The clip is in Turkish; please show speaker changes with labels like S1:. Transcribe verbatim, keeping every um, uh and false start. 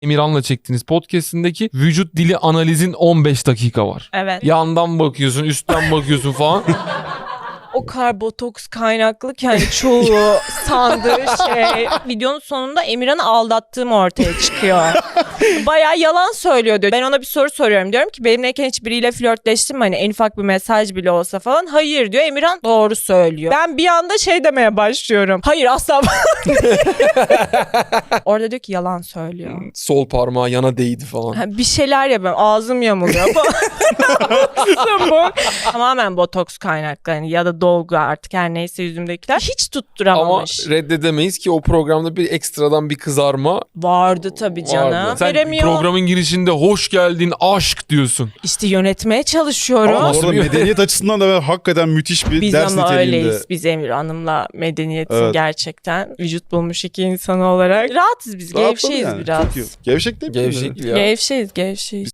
S1: Emirhan'la çektiğiniz podcast'indeki vücut dili analizin on beş dakika var.
S2: Evet.
S1: Yandan bakıyorsun, üstten bakıyorsun falan.
S2: O kadar botoks kaynaklı ki hani çoğu sandığı şey. Videonun sonunda Emirhan'ı aldattığım ortaya çıkıyor. Bayağı yalan söylüyor diyor. Ben ona bir soru soruyorum. Diyorum ki benimleyken hiç biriyle flörtleştin mi? Hani en ufak bir mesaj bile olsa falan. Hayır diyor. Emirhan doğru söylüyor. Ben bir anda şey demeye başlıyorum. Hayır asla. Orada diyor ki yalan söylüyor.
S1: Sol parmağı yana değdi falan.
S2: Ha, bir şeyler yapıyorum. Ağzım yamuluyor. bu. Tamamen botoks kaynaklı. Yani ya da dolgu artık her neyse yüzümdekiler. Hiç
S1: Ama
S2: tutturamamış.
S1: reddedemeyiz ki o programda bir ekstradan bir kızarma
S2: Vardı tabii canım.
S1: vardı. Sen
S2: Veremiyor.
S1: programın girişinde hoş geldin aşk diyorsun.
S2: İşte yönetmeye çalışıyorum.
S3: Ama
S1: Nasıl
S3: orada
S1: bir-
S3: medeniyet açısından da hakikaten müthiş bir
S2: Biz
S3: ders
S2: ama
S3: niteliğinde.
S2: öyleyiz. Biz Emir Hanım'la medeniyetin
S3: Evet.
S2: gerçekten vücut bulmuş iki insan olarak. Rahatız biz.
S3: Rahatladı
S2: Gevşeyiz
S3: yani.
S2: biraz.
S3: Çok iyi. Gevşek değil mi?
S1: Gevşek ya.
S2: Gevşeyiz, gevşeyiz.